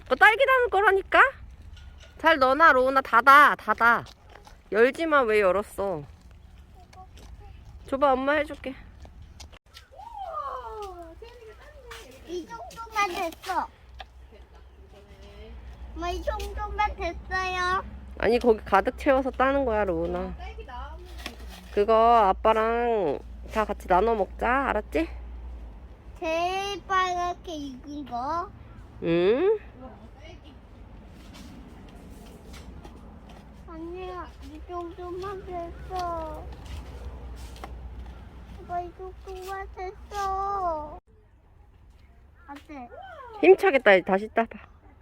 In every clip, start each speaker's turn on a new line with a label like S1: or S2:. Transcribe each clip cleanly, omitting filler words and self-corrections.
S1: 딸기 담을 거라니까? 잘 넣어놔, 로우나. 닫아. 열지마. 왜 열었어? 줘봐, 엄마 해줄게.
S2: 이 정도만 됐어. 엄마 이 정도만 됐어요.
S1: 아니, 거기 가득 채워서 따는 거야, 로우나. 그거 아빠랑 다 같이 나눠 먹자. 알았지?
S2: 제일 빨갛게 익은 거.
S1: 응?
S2: 아니야, 이 정도만 됐어. 엄마 이 정도만 됐어. 안 돼.
S1: 힘차게 따. 다시 따봐.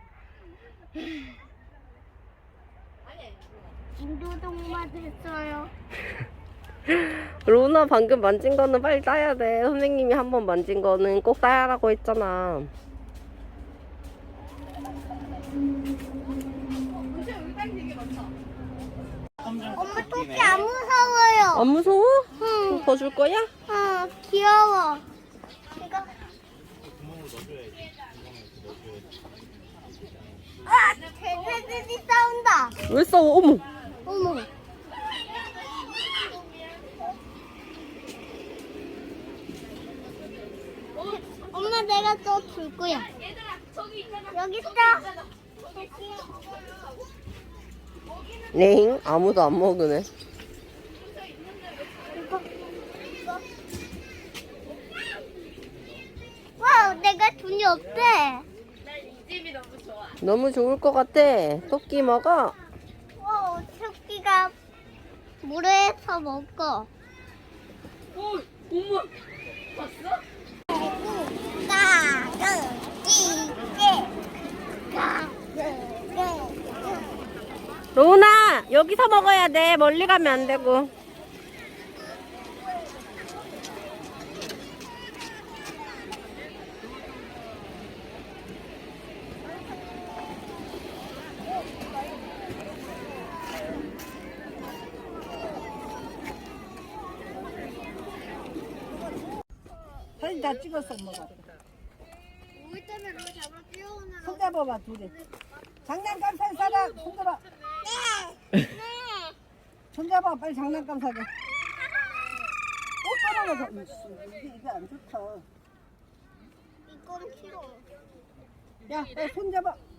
S2: 이 정도만 됐어요.
S1: 로우나 방금 만진 거는 빨리 따야 돼. 선생님이 한 번 만진 거는 꼭 따라고 했잖아.
S2: 엄마 토끼 안 무서워요.
S1: 안 무서워?
S2: 응.
S1: 더 줄 거야?
S2: 귀여워. 이거. 아, 개새들이 싸운다.
S1: 왜 싸워? 어머.
S2: 어머. 엄마 내가 또 줄 거야. 여기 있어.
S1: 넹? 아무도 안 먹으네.
S2: 이거. 와, 내가 돈이 없대.
S1: 너무 좋을 것 같아. 토끼 먹어.
S2: 와, 토끼가 물에서 먹어.
S1: 엄마. 봤어? 로우나, 여기서 먹어야 돼. 멀리 가면 안 되고.
S3: 사진 다 찍었어, 엄마가.
S2: 우리 때문에 너 잡아 뛰어오느라.
S3: 손 잡아봐, 둘이. 장난감 살 사람, 손 잡아.
S2: 네.
S3: 손 잡아, 빨리 장난감 사게. 또 떨어져서. 이게 안 좋다.
S2: 이건 싫어.
S3: 야, 빨리 손 잡아.